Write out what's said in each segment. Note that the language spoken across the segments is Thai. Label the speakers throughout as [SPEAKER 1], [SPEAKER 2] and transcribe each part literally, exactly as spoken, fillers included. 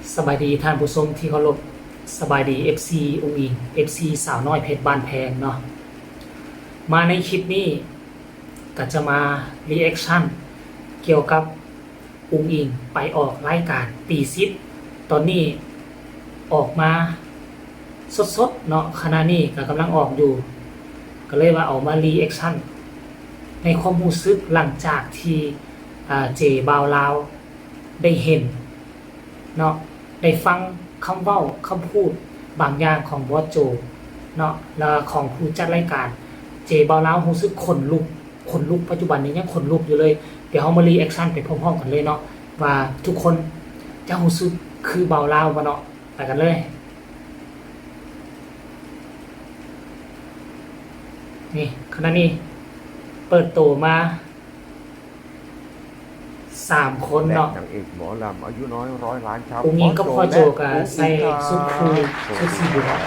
[SPEAKER 1] สบายดีท่านผู้ชมที่เคารพสบายดี เอฟ ซี อุงอิง เอฟ ซี สาวน้อยเพชรบ้านแพงเนาะมาในคลิปนี้ก็จะมารีแอคชั่นเกี่ยวกับอุงอิงไปออกรายการตีซิปตอนนี้ออกมาสดๆเนาะขณะนี้ก็กำลังออกอยู่ ก็เลยว่าเอามารีแอคชั่นในความรู้สึกหลังจากที่เจบาวลาวได้เห็นเนาะได้ฟังคำเว้าคำพูดบางอย่างของบอสโจเนาะแล้วของผู้จัดรายการเจบาวลาวรู้สึกขนลุกขนลุกปัจจุบันนี้ยังขนลุกอยู่เลยเดี๋ยวเฮามารีแอคชั่นไปพร้อมๆกันเลยเนาะว่าทุกคนจะรู้สึกคือบาวลาวบ่เนาะไปกันเลยนี่ขณะนี้เปิดตัวมาสามคนเนาะ
[SPEAKER 2] นางเอกหมอลำอายุน้อยร้อยล้านครับ
[SPEAKER 1] อุ้งอิงก็พอโจกับใส่สุดคูชุดสีเหลือง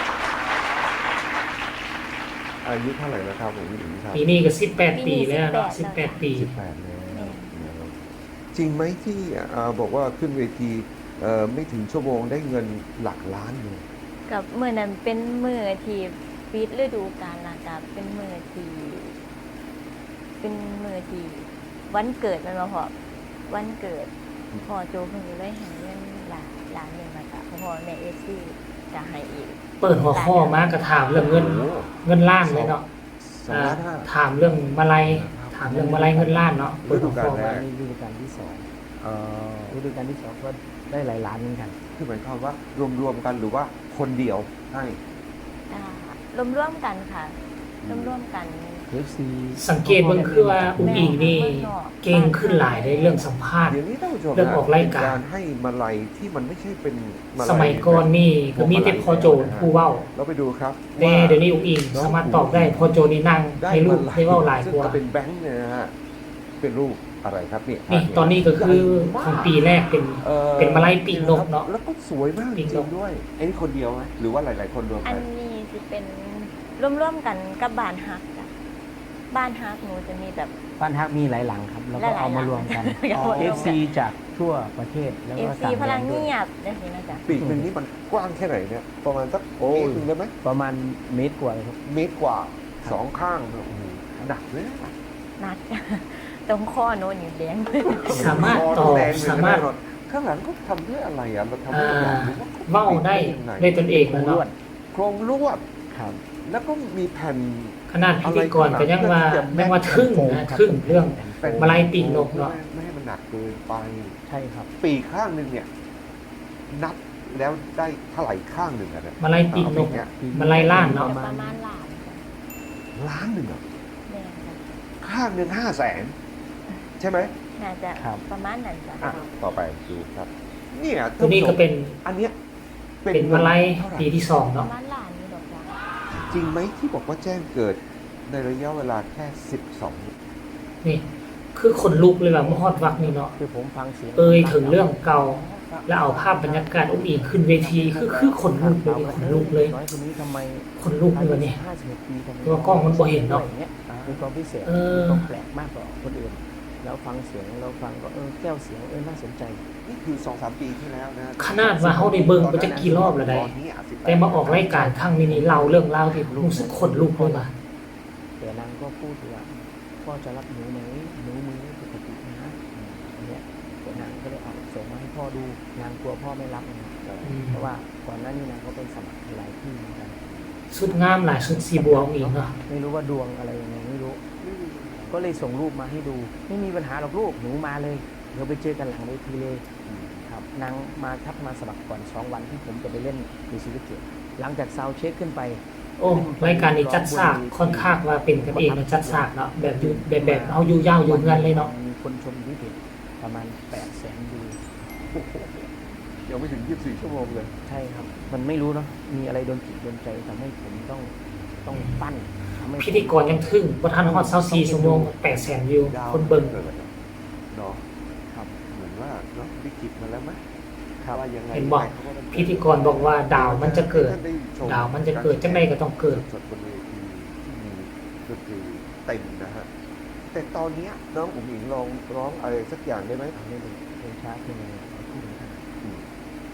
[SPEAKER 2] อายุเท่าไหร่แล้วครับผมอิงครับ
[SPEAKER 1] ปีนี้ก็สิบแปดปีแล้วเนาะสิบแปดปี
[SPEAKER 2] สิบแปดแล้วจริงไหมที่บอกว่าขึ้นเวทีไม่ถึงชั่วโมงได้เงินหลักล้านเลย
[SPEAKER 3] กับเมื่อนั้นเป็นเมื่อที่ปิดฤดูกาลนะกับเป็นเมื่อที่เป็นเมื่อที่วันเกิดมันมาพอวันเกิดพอโจเพิ่งได้ให้เงินหลานหลานหนึ่งมาจากพ่อแม่เอฟซีจะให้อีก
[SPEAKER 1] เปิดหัวข้อมากระถามเรื่องเงินเงินล้านเลยเนาะถามเรื่องมาลัยถามเรื่องมาลัยเงินล้านเนาะเปิดหัวข้อมา
[SPEAKER 4] ฤดูกาลที่สองฤดูกาลที่สองก็ได้หลายล้านเหมือนกัน
[SPEAKER 2] คือหมายความว่ารวมๆกันหรือว่าคนเดียวให้
[SPEAKER 3] รวมร่วมกันค่ะร่วมร่วมกัน
[SPEAKER 1] สังเกตเบิ่งคือว่าอุ้งอิงนี่เก่งขึ้นหลายในเรื่องสัมภาษณ์เรื่องออกรายการ
[SPEAKER 2] ให้มาลัยที่มันไม่ใช่เป็น
[SPEAKER 1] สมัยก่อนนี่ก็มีแต่พอโจผู้เว้า
[SPEAKER 2] เราไปดูครับ
[SPEAKER 1] แต่เดี๋ยวนี้อุ้งอิงสามารถตอบได้พอโจนี่นั่งให้ลูกให้เว้าหลายกว่า
[SPEAKER 2] เป็นแบงค์เนี่ยนะฮะเป็นรูปอะไรครับนี่
[SPEAKER 1] นี่ตอนนี้ก็คือของปีแรกเป็นเป็นมาลัยปีกนกเนาะ
[SPEAKER 2] แล้วก็สวยมากจริงด้วยไอ้นี่คนเดียวไหมหรือว่าหลายๆคนรวมกัน
[SPEAKER 3] อันนี้จะเป็นร่วมๆกันกับบ้านฮักจ้ะบ้านฮักหนูจะมีแบบ
[SPEAKER 4] บ้านฮักมีหลายหลังครับแล้วก็เอามารวมกันเอฟซีจากทั่วประเทศ
[SPEAKER 3] แล้วก็ต่างพลังเงียบได้สินะจ๊ะ
[SPEAKER 2] ปีกหนึ่งนี่มันกว้างแค่ไหนเนี่ยประมาณสักเมตรนึงได้ไหม
[SPEAKER 4] ประมาณเมตรกว่าครับ
[SPEAKER 2] เมตรกว่าสองข้างหนักเลย
[SPEAKER 3] หนักตรงข้อโน้นอยู่แดง
[SPEAKER 1] สามารถต่อสามารถ
[SPEAKER 2] ข้างหลังเขาทำด้วยอะไรอ่ะเราทำด้วยอะไร
[SPEAKER 1] เว้าได้ในตนเองเนาะ
[SPEAKER 2] โครงลวดแล้วก็มีแผ่น
[SPEAKER 1] ขนาดพิธีกรก็ยังว่ายังว่าทึ่งนะทึ่งเรื่องมาลัยปีกนกเนาะ
[SPEAKER 2] ไม่ให้มันหนักเกินไป
[SPEAKER 4] ใช่ครับ
[SPEAKER 2] ปีกข้างหนึ่งเนี่ยนับแล้วได้เท่าไหร่ข้างหนึ่งอะเนี่ย
[SPEAKER 1] มาลัยปีกนกมาลัยล้านเนาะ
[SPEAKER 3] ประมาณล้าน
[SPEAKER 2] ล้านหนึ่งอ่ะข้างหนึ่งห้าแสนใช่ไหม
[SPEAKER 3] น่าจะประมาณนั้นจ้ะ
[SPEAKER 2] ต่อไปดูครับเนี่ย
[SPEAKER 1] ตัวนี้ก็เป็น
[SPEAKER 2] อันเนี้ย
[SPEAKER 1] เป็นมาลัยปีที่สองเนาะ
[SPEAKER 2] จริงไหมที่บอกว่าแจ้งเกิดในระยะเวลาแค่สิบสอง
[SPEAKER 1] นี่คือขนลุกเลยแบบมอดวักนี่เนาะ
[SPEAKER 4] คือผมฟังเสียง
[SPEAKER 1] เอ่ยถึงเรื่องเก่าแล้วเอาภาพบรรยากาศอุ้งอิงขึ้นเวทีคือคือขนลุกเลยขนลุกเลยขนลุกเลยเนี่ยตัวกล้องมันบ่เห็นเนาะ
[SPEAKER 4] มีความพิเศษต้องแปลกมากกว่าคนอื่นแล้วฟังเสียงเราฟังก็เออแก้วเสียงเออน่าสนใจ
[SPEAKER 2] นี่คือสองสามปีที่แล้วนะ
[SPEAKER 1] ขนาดว่าเขาได้เบิ่งไปจะกี่รอบแล้วได้แต่มาออกรายการครั้งนี้นี่เราเรื่องเล่าที่รู้สึกขนลุกเลยว่ะ
[SPEAKER 4] แต่นางก็พูดว่าพ่อจะรับหนูไหมหนูมือปกตินะเนี่ยแต่นางก็เลยเอาส่งมาให้พ่อดูนางกลัวพ่อไม่รับนะเพราะว่าก่อนหน้านี้นางก็ไปสมัครหลายที่เหมือนกัน
[SPEAKER 1] ชุดงามหลายชุดสีบัวอีกเนาะ
[SPEAKER 4] ไม่รู้ว่าดวงอะไรยังไงไม่รู้ก็เลยส่งรูปมาให้ดูไม่มีปัญหาหรอกลูกหนูมาเลยเดี๋ยวไปเจอกันหลังเวทีเลยครับนางมาทักมาสมัครก่อนสองวันที่ผมจะไปเล่นในซีรีส์เกตหลังจากซาวเช็คขึ้นไป
[SPEAKER 1] โอ้รายการนี้จัดฉากค่อนข้างว่าเป็นกันเองนะจัดฉากเนาะแบบอยู่แบบแบบเอาอยู่ยาวอยู่เงินเลยเนาะ
[SPEAKER 4] มีคนชมที่เพจประมาณแปดแสนวิว
[SPEAKER 2] ยังไม่ถึงยี่สิบสี่ชั่วโมงเลย
[SPEAKER 4] ใช่ครับมันไม่รู้เนาะมีอะไรโดนจิตโดนใจทำให้ผมต้องต้องปั้น
[SPEAKER 1] พิธีกรยังทึ่งว่าท่านฮอตเซาซีชั่วโมงแปดแสนวิวคนเบิ่ง
[SPEAKER 2] เนาะครับเหมือนว่าเนาะวิกฤตมาแล้วไหม
[SPEAKER 1] ว่ายังไงเห็นบอกพิธีกรบอกว่าดาวมันจะเกิดดาวมันจะเกิดจังไดก็ต้องเกิด
[SPEAKER 2] สดบนเวทีที่มีดนตรีเต็มนะฮะแต่ตอนนี้น้องอุ๋งอิงลองร้องอะไรสักอย่างได้ไหม
[SPEAKER 4] ไม่ได้เพลงช้าเพลงอะไรที่เหมือนกัน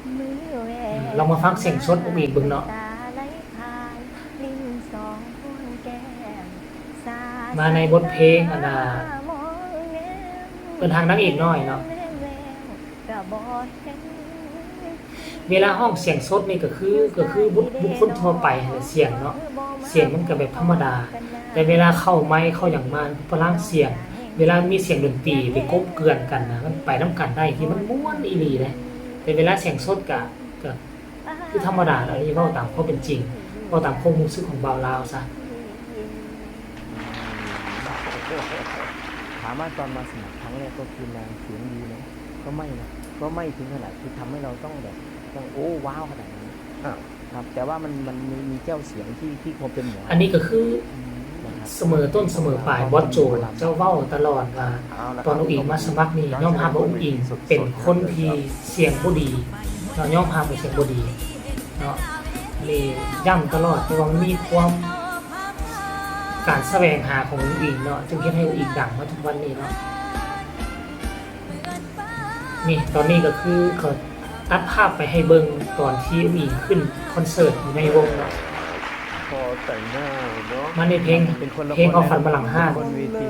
[SPEAKER 3] มือแหว
[SPEAKER 1] ลองมาฟังเสียงสดอุ้งอิงเบิ่งเนาะ
[SPEAKER 3] ตาไหลผ่านลิ้นสองข้างแก้มสาด
[SPEAKER 1] มาในบทเพลงอันน่ะ
[SPEAKER 3] มองแนม
[SPEAKER 1] เป็นทางนางเอกน้อยเนาะ
[SPEAKER 3] กะบ่เห็น
[SPEAKER 1] เวลาห้องเสียงสดนี่ก็คือก็คือบุคบุคคลทั่วไปนั่นแหละเสียงเนาะเสียงมันก็แบบธรรมดา แต่เวลาเข้าไมค์เข้าอย่างมาพลังเสียง เวลามีเสียงดนตรีไปกบเกลื่อนกันนะมันไปน้ำกันได้ที่มันม่วนอีหลีเลยแต่เวลาเสียงสดก็ก็คือธรรมดาแล้วนี่เว้าตามความเป็นจริงเว้าตามความรู้สึกของบ่าวลาวซะ
[SPEAKER 4] ถามว่าตอนมาสมัครครั้งแรกก็คือนางเสียงดีไหมก็ไม่นะก็ไม่ถึงขนาดที่ทำให้เราต้องแบบต้องโอ้ว้าวขนาดนั้น
[SPEAKER 2] อ้าว
[SPEAKER 4] ครับ แต่ว่ามันมันมีมีเจ้าเสียงที่ที่ความเป็นหมอ
[SPEAKER 1] อันนี้ก็คือ
[SPEAKER 4] นะครับ
[SPEAKER 1] เสมอต้นเสมอปลายบอสโจเจ้าเว้าตลอดว่า
[SPEAKER 2] เอาละ
[SPEAKER 1] ตอนอุ้งอิงมาสมัครนี่ย่อมรับว่าอุ้งอิงเป็นคนที่เสียงบ่ดีเนาะย่อมรับว่าเสียงบ่ดีเนาะนี่ย้ำตลอดเพราะว่ามันมีความการแสวงหาของอุ้งอิงเนาะจึงเฮ็ดให้อุ้งอิงดังมาทุกวันนี้เนาะนี่ตอนนี้ก็คือเขาตัดภาพไปให้เบิ่งตอนที่อุ้งอิงขึ้นคอนเสิร์ตอยู่ในวงเนาะ
[SPEAKER 2] พอแต่งหน้าเนาะ
[SPEAKER 1] มาในเพลง
[SPEAKER 4] เป็นคนละ
[SPEAKER 1] เพลงเอาฝันมาหลังห้าง
[SPEAKER 4] คนเวที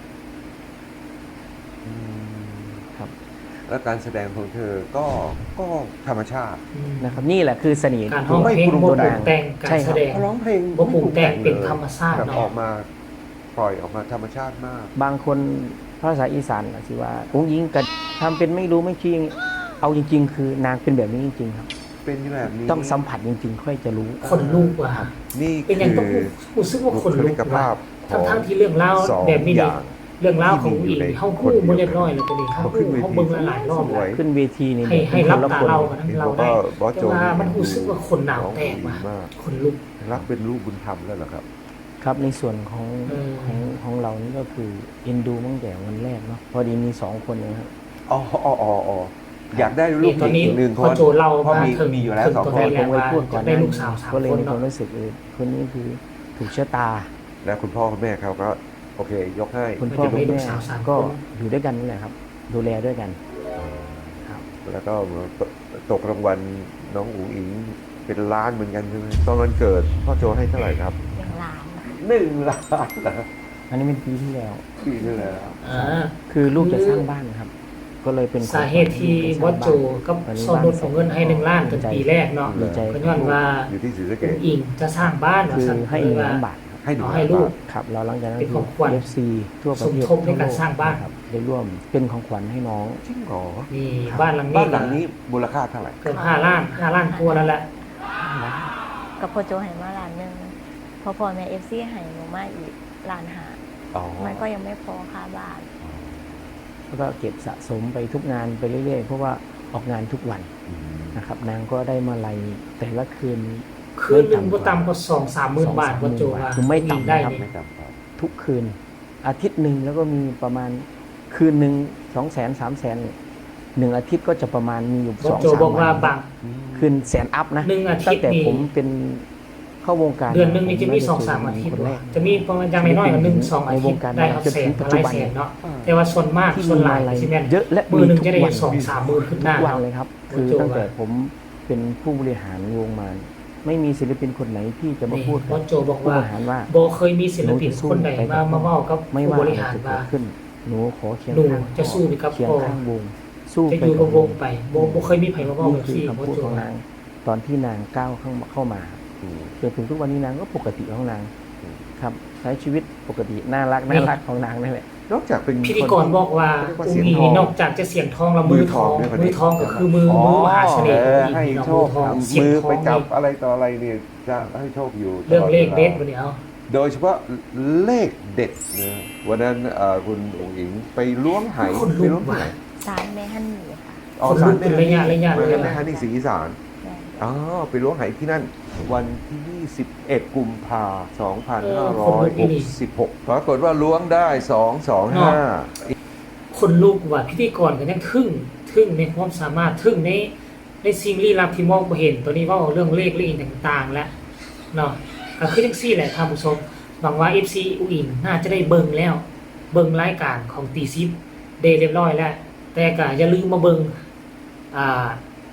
[SPEAKER 2] อืม
[SPEAKER 4] ครับ
[SPEAKER 2] แล้วการแสดงของเธอก็ก็ธรรมชาติ
[SPEAKER 1] อืม
[SPEAKER 4] นะครับนี่แหละคือเสน่ห์
[SPEAKER 1] การร้องเพลง
[SPEAKER 2] ไม่ปรุง
[SPEAKER 1] บ่ปรุ
[SPEAKER 2] แต่
[SPEAKER 1] ง
[SPEAKER 2] ง
[SPEAKER 1] แต่งการ
[SPEAKER 4] ใช่ค
[SPEAKER 1] แส
[SPEAKER 4] รับ
[SPEAKER 1] ดง
[SPEAKER 2] ร้องเพลง
[SPEAKER 1] บ่ปรุงแต่ง
[SPEAKER 2] ไม่
[SPEAKER 1] เป็นธรรมชาติ
[SPEAKER 2] แบบ
[SPEAKER 1] เนาะ
[SPEAKER 2] ออกมาปล่อยออกมาธรรมชาติมาก
[SPEAKER 4] บางคนภาษาอีสานก็สิว่าอุ้งยิงกันทำเป็นไม่รู้ไม่จริงเอาจริง ๆ คือนางเป็นแบบนี้จริงๆครับ
[SPEAKER 2] เป็นแบบนี้
[SPEAKER 4] ต้องสัมผัสจริง ๆ ค่อยจะรู้
[SPEAKER 1] คนลูกว่ะ
[SPEAKER 2] นี่
[SPEAKER 1] เป็นอย่างต้อง
[SPEAKER 2] คือ
[SPEAKER 1] รู้สึกว่า
[SPEAKER 2] บุ
[SPEAKER 1] คน
[SPEAKER 2] ค
[SPEAKER 1] ลุ
[SPEAKER 2] ลิ
[SPEAKER 1] ก
[SPEAKER 2] กภา
[SPEAKER 1] ว่ะ
[SPEAKER 2] พขอ
[SPEAKER 1] ทั้ง
[SPEAKER 2] ง
[SPEAKER 1] ทั้งๆที่เรื่องราว
[SPEAKER 2] สอง
[SPEAKER 1] แบบนี้
[SPEAKER 2] อ
[SPEAKER 1] นี่
[SPEAKER 2] ย่าง
[SPEAKER 1] เรื่องราวของ
[SPEAKER 2] ที่มีอยู่
[SPEAKER 1] อีก
[SPEAKER 2] ใน
[SPEAKER 1] เฮา
[SPEAKER 2] คน
[SPEAKER 1] คู่
[SPEAKER 2] เดียว
[SPEAKER 1] บ่เรียบร้อยแล้วตัวนี้เฮา
[SPEAKER 2] พอขึ้
[SPEAKER 1] คู่
[SPEAKER 2] นเวที
[SPEAKER 1] เฮาเบิ่งหลายๆรอบ
[SPEAKER 2] ส
[SPEAKER 1] แล้ว
[SPEAKER 2] วย
[SPEAKER 4] ขึ้นเวทีนี่
[SPEAKER 1] ให้ให้รับตาเรา
[SPEAKER 4] ค
[SPEAKER 1] กัน
[SPEAKER 4] น
[SPEAKER 1] ทั้ง
[SPEAKER 2] นี่
[SPEAKER 1] เรา
[SPEAKER 2] ก็
[SPEAKER 1] ได้
[SPEAKER 2] บอสโจ
[SPEAKER 1] แต่ว่ามันรู้สึกว่าคนหนาวแตกว่ะ
[SPEAKER 2] ร้องดีมาก
[SPEAKER 1] คนลุก
[SPEAKER 2] รักเป็นลูกบุญธรรมแล้วเหรอครับ
[SPEAKER 4] ครับในส่วนของ
[SPEAKER 1] เออ
[SPEAKER 4] ของของเรานี่ก็คือเอ็นดูตั้งแต่วันแรกเนาะพอดีมีสองคนนะครับ
[SPEAKER 2] อ๋ออ๋ออ๋ออ๋ออยากได้ลู
[SPEAKER 1] นี่
[SPEAKER 2] ก
[SPEAKER 1] ตอนนี้
[SPEAKER 2] อีกหนึ่งค
[SPEAKER 1] พอน โจเล่า
[SPEAKER 2] เพราะ
[SPEAKER 1] มา
[SPEAKER 2] มี
[SPEAKER 1] ถึง
[SPEAKER 2] มีอยู่แล้วสอง
[SPEAKER 1] ถึ
[SPEAKER 2] คน
[SPEAKER 1] ตัว
[SPEAKER 4] ผม
[SPEAKER 1] แรก
[SPEAKER 4] ไว้
[SPEAKER 1] ว่า
[SPEAKER 4] พูดก่อ
[SPEAKER 1] จะ
[SPEAKER 4] นห
[SPEAKER 1] ได้
[SPEAKER 4] น้า
[SPEAKER 1] ลู
[SPEAKER 4] นี้
[SPEAKER 1] กสาวสาม
[SPEAKER 4] ก็เลย
[SPEAKER 1] คน
[SPEAKER 4] มีความ
[SPEAKER 1] เนาะ
[SPEAKER 4] รู้สึกเออคนนี้คือถูกชะตา
[SPEAKER 2] และคุณพ่อคุณแม่เขาก็โอเค ยกให้
[SPEAKER 4] คุณพ่อ
[SPEAKER 1] จะ
[SPEAKER 4] คุ
[SPEAKER 1] มี
[SPEAKER 4] ณ
[SPEAKER 1] ลูก
[SPEAKER 4] แม่
[SPEAKER 1] สาวสามคน
[SPEAKER 4] ก็อยู่ด้วยกันนี่แหละครับ ดูแลด้วยกันครับ
[SPEAKER 2] แล้วก็ตตกรางวัลน้องอุ๋งอิงเป็นล้านเหมือนกันใช่ไหมตอนวันเกิดพ่อโจให้เท่าไหร่ครับ
[SPEAKER 3] อย่างหลาน
[SPEAKER 2] หนึ่งล้านนะ
[SPEAKER 4] อันนี้เป็นปีที่แล้ว
[SPEAKER 2] ปีที่แล้ว
[SPEAKER 1] อ่า
[SPEAKER 4] คือลูกจะสร้างบ้านครับ ก็เลยเป็น
[SPEAKER 1] สาเหตุที่บอสโจกับซอนนุชของเงินให้หนึ่งล้านเป็นปีแรกเนาะ
[SPEAKER 4] ดีใจ
[SPEAKER 1] ก็ย้อนว่า
[SPEAKER 2] อยู่ที่ศรีสะเก
[SPEAKER 1] อุ้
[SPEAKER 2] ษ
[SPEAKER 1] งอิงจะสร้างบ้าน
[SPEAKER 4] คือ
[SPEAKER 1] สั่น
[SPEAKER 4] ให้
[SPEAKER 1] เลย
[SPEAKER 4] หนึ่ง
[SPEAKER 1] ว่า
[SPEAKER 4] ล้านบาทครับ
[SPEAKER 2] ให้หนึ่ง
[SPEAKER 1] เอา
[SPEAKER 2] ล้า
[SPEAKER 1] ให้
[SPEAKER 2] น
[SPEAKER 1] ลูก
[SPEAKER 2] บาท
[SPEAKER 4] ครับแล้วหลังจากนั้น
[SPEAKER 1] เป็นของขวัญ
[SPEAKER 4] เอฟซีทั่วประเทศ
[SPEAKER 1] สมทบในการสร้างบ้าน
[SPEAKER 4] ครับได้ร่วมเป็นของขวัญให้น้อง
[SPEAKER 2] จริงเหรอ
[SPEAKER 1] นี่บ้านหลังนี้
[SPEAKER 2] บ้านหลังนี้มูลค่าเท่าไหร่
[SPEAKER 1] เกือบห้าล้านห้าล้านกว่าแล้วแหละ
[SPEAKER 3] กับพ่อโจให้มาล้านหนึงพอพ่อแม่ เอฟ ซี ให้หนูมาอีกล้านห้า
[SPEAKER 2] อ๋อ
[SPEAKER 3] มันก็ยังไม่พอค่าบ้าน
[SPEAKER 4] แล้วก็เก็บสะสมไปทุกงานไปเรื่อยๆ เพราะว่าออกงานทุกวัน
[SPEAKER 2] อืม
[SPEAKER 4] นะครับ นางก็ได้มาลัยแต่ละคืน
[SPEAKER 1] คืนหนึ่งบ่ต่ำกว่าสองสามหมื่นบาทบอสโจว่า
[SPEAKER 4] คือไม่ต่ำ
[SPEAKER 1] ได้
[SPEAKER 4] นะครับ
[SPEAKER 1] นี่
[SPEAKER 2] ไม่จำครับ
[SPEAKER 4] ทุกคืน อาทิตย์หนึ่งแล้วก็มีประมาณคืนหนึ่งสองแสนสามแสนหนึ่งอาทิตย์ก็จะประมาณมีอยู่
[SPEAKER 1] บ
[SPEAKER 4] ส
[SPEAKER 1] อ
[SPEAKER 4] อ
[SPEAKER 1] ส
[SPEAKER 4] ง
[SPEAKER 1] โจ
[SPEAKER 4] สาม
[SPEAKER 1] บอกว่า
[SPEAKER 4] วัน
[SPEAKER 1] บาง
[SPEAKER 4] คืนแสนอัพนะ
[SPEAKER 1] หนึ่งอาทิ
[SPEAKER 4] ตั้
[SPEAKER 1] ต
[SPEAKER 4] ง
[SPEAKER 1] ย์
[SPEAKER 4] แต่
[SPEAKER 1] นี่
[SPEAKER 4] ผมเป็นเข้าวงการ
[SPEAKER 1] เดือนหนึงนี่จะมี
[SPEAKER 4] ผ
[SPEAKER 1] สองสามอาทิตย์
[SPEAKER 4] คนแรก
[SPEAKER 1] จะมีประมาณอย่างน้อยๆก็หนึ่งสองอาทิตย์ได้เอาแสนมาไล่แสนเนาะแต่ว่าส่วนมาก
[SPEAKER 4] ที่
[SPEAKER 1] ส่วน
[SPEAKER 4] มี
[SPEAKER 1] หลาย
[SPEAKER 4] อะไร
[SPEAKER 1] ที่แม่น
[SPEAKER 4] เยอะและ
[SPEAKER 1] มือหนึ่ง
[SPEAKER 4] ทุก
[SPEAKER 1] จะได้
[SPEAKER 4] วัน
[SPEAKER 1] สองสามหมื่นขึ้นหน้า
[SPEAKER 4] ทุกวันเลยครับ คือ
[SPEAKER 1] โอ้โห
[SPEAKER 4] ตั้งแต่ผมเป็นผู้บริหารวงมา ไม่มีศิลปินคนไหนที่จะมา
[SPEAKER 1] นี่
[SPEAKER 4] พูด
[SPEAKER 1] บ
[SPEAKER 4] กั
[SPEAKER 1] อบ สโจบอก
[SPEAKER 4] ผู้
[SPEAKER 1] ว่า
[SPEAKER 4] บริหารว่า
[SPEAKER 1] บ่เคยมีศิลปินคนใดมามาเว้ากับ
[SPEAKER 4] ไม่
[SPEAKER 1] ผู้
[SPEAKER 4] ว่า
[SPEAKER 1] บ
[SPEAKER 4] อะไร
[SPEAKER 1] ริหาร
[SPEAKER 4] จะเกิ
[SPEAKER 1] ว่า
[SPEAKER 4] ดขึ้น หนูขอเคียง
[SPEAKER 1] หนู
[SPEAKER 4] ข้าง
[SPEAKER 1] จะสู้ไปกับ
[SPEAKER 4] เคียง
[SPEAKER 1] พ่อ
[SPEAKER 4] ข้างวง สู้
[SPEAKER 1] จะ
[SPEAKER 4] ไป
[SPEAKER 1] อยู่กับวง
[SPEAKER 4] หนู
[SPEAKER 1] ไปบ่บ่เคยมีไผมาเว้า
[SPEAKER 4] นี่
[SPEAKER 1] แบบ
[SPEAKER 4] คือ
[SPEAKER 1] นี้บอ
[SPEAKER 4] คำ
[SPEAKER 1] ส
[SPEAKER 4] พูด
[SPEAKER 1] โจ
[SPEAKER 4] ของ
[SPEAKER 1] ว่า
[SPEAKER 4] นาง ตอนที่นางก้าวเข้ามาเข้ามา
[SPEAKER 2] อืม
[SPEAKER 4] จนถึงทุกวันนี้นางก็ปกติของนาง
[SPEAKER 2] อืม
[SPEAKER 4] ครับ ใช้ชีวิตปกติน่ารัก
[SPEAKER 1] นี่
[SPEAKER 4] น่ารักของนางนั่นแหละ
[SPEAKER 2] นอกจากเป็น
[SPEAKER 1] พิธีกรบอกว่า
[SPEAKER 2] เรียกว่า
[SPEAKER 1] อุ้
[SPEAKER 2] เสี
[SPEAKER 1] ง
[SPEAKER 2] ยง
[SPEAKER 1] อิ
[SPEAKER 2] ท
[SPEAKER 1] ง
[SPEAKER 2] อง
[SPEAKER 1] นอกจากจะเสียงทองแล้วมือทอง
[SPEAKER 2] มือทองด้วย
[SPEAKER 1] มือทองก็คือมือ
[SPEAKER 2] อ๋อ
[SPEAKER 1] มือมหาเสน่ห์
[SPEAKER 2] เออ
[SPEAKER 1] อุ้ง
[SPEAKER 2] ให้
[SPEAKER 1] อิงเนาะ
[SPEAKER 2] โช
[SPEAKER 1] มือ
[SPEAKER 2] ค
[SPEAKER 1] ทองเสียง
[SPEAKER 2] มือ
[SPEAKER 1] ทอง
[SPEAKER 2] ไปจับ
[SPEAKER 1] นี่
[SPEAKER 2] อะไรต่ออะไรเนี่ยจะให้โชคอยู่
[SPEAKER 1] เรื่องเลข
[SPEAKER 2] ต
[SPEAKER 1] เด็ด
[SPEAKER 2] วา
[SPEAKER 1] บ่เนี่ยเอา
[SPEAKER 2] โดยเฉพาะเลขเด็ดนะวันนั้นเอ่อคุณอุ๋งอิงไปล้วงไห
[SPEAKER 1] คนลุก
[SPEAKER 2] ไปล้วงที่ไหน
[SPEAKER 3] สารแม่ฮันนี่ค่ะ
[SPEAKER 2] อ๋อ
[SPEAKER 1] คนลุก
[SPEAKER 2] ศาล
[SPEAKER 1] เป็นระยะระยะ
[SPEAKER 2] แม่
[SPEAKER 1] เลย
[SPEAKER 2] แม่
[SPEAKER 1] นะ
[SPEAKER 2] ฮันนี่ศรีอีสาน
[SPEAKER 3] แม่
[SPEAKER 2] อ๋อไปล้วงไหที่นั่น วันที่ยี่สิบเอ็ดกุมภาพันธ์สองพัน
[SPEAKER 1] เอ
[SPEAKER 2] ห้า
[SPEAKER 1] อ
[SPEAKER 2] ร้
[SPEAKER 1] คน
[SPEAKER 2] อ
[SPEAKER 1] ลุ
[SPEAKER 2] ย
[SPEAKER 1] ก
[SPEAKER 2] ห
[SPEAKER 1] อี
[SPEAKER 2] ก
[SPEAKER 1] หลี
[SPEAKER 2] สิบหกปรากฏว่าล้วงได้สองสองห้า
[SPEAKER 1] คนลูกว่าพิธีกรก็ยังทึ่งทึ่งในความสามารถทึ่งในในสิ่งลี้ลับที่มองบ่เห็นตัวนี้เว่าเรื่องเลขเลขต่างๆ แล้วเนาะก็คือจังซี่แหละท่านผู้ชมหวังว่า เอฟ ซี อุอิงน่าจะได้เบิ่งแล้ว เบิ่งรายการของตีซิปได้เรียบร้อยแล้ว แต่ก็อย่าลืมมาเบิ่งอ่า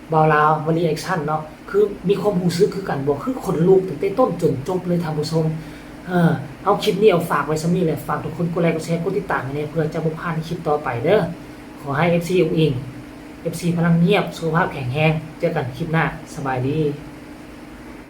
[SPEAKER 1] บาวลาวมารีแอคชั่นเนาะคือมีความรู้สึกคือกันบ่คือคนลูกตั้งแต่ต้นจนจบเลยท่านผู้ชมเออเอาคลิปนี้เอาฝากไว้ซะมีแหละฝากทุกคนกดไลค์กดแชร์กดติดตามให้แน่เพื่อจะบ่พลาดในคลิปต่อไปเด้อขอให้ เอฟ ซี อุ้งอิง เอฟ ซี พลังเงียบสุขภาพแข็งแรงเจอกันคลิปหน้าสบายดี